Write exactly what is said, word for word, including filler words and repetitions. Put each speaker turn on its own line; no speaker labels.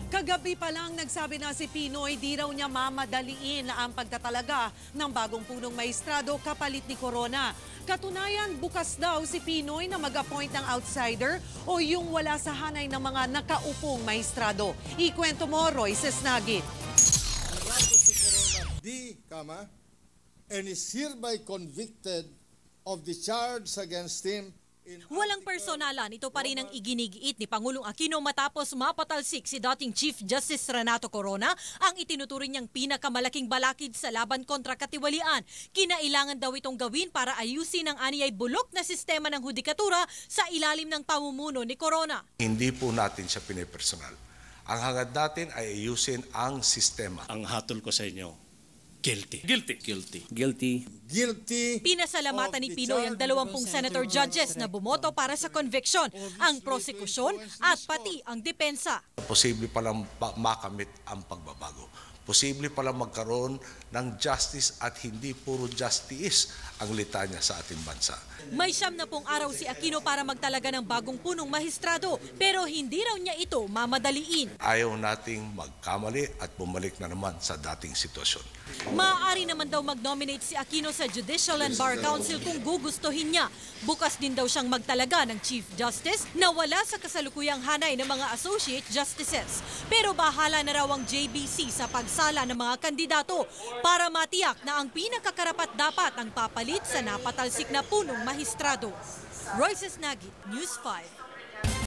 Kagabi pa lang nagsabi na si Pinoy di raw niya mamadaliin ang pagtatalaga ng bagong punong maestrado kapalit ni Corona. Katunayan, bukas daw si Pinoy na mag-appoint ng outsider o yung wala sa hanay ng mga nakaupong maestrado. Ikwento mo, Royce Snagit.
Si Corona D, comma, and is hereby convicted of the charge against him.
Walang personalan, ito pa rin ang iginigiit ni Pangulong Aquino matapos mapatalsik si dating Chief Justice Renato Corona ang itinuturing niyang pinakamalaking balakid sa laban kontra katiwalian. Kinailangan daw itong gawin para ayusin ang aniyay bulok na sistema ng hudikatura sa ilalim ng pamumuno ni Corona.
Hindi po natin siya pinipersonal. Ang hangad natin ay ayusin ang sistema.
Ang hatol ko sa inyo, guilty. Guilty. Guilty.
Guilty. Guilty.
Pinasalamatan ni Pinoy ang dalawampung senator judges na bumoto para sa conviction, ang prosekusyon at pati ang depensa.
Posible palang makamit ang pagbabago. Posible palang magkaroon ng justice at hindi puro justice ang litanya sa ating bansa.
May siyam na pong araw si Aquino para magtalaga ng bagong punong mahistrado, pero hindi raw niya ito mamadaliin.
Ayaw nating magkamali at bumalik na naman sa dating sitwasyon.
Maaari naman daw mag-nominate si Aquino sa Judicial and Bar Council kung gugustuhin niya. Bukas din daw siyang magtalaga ng Chief Justice na wala sa kasalukuyang hanay ng mga Associate Justices. Pero bahala na raw ang J B C sa pagsala ng mga kandidato para matiyak na ang pinakakarapat dapat ang papalit sa napatalsik na punong mahistrado. Royce Snagit, News five.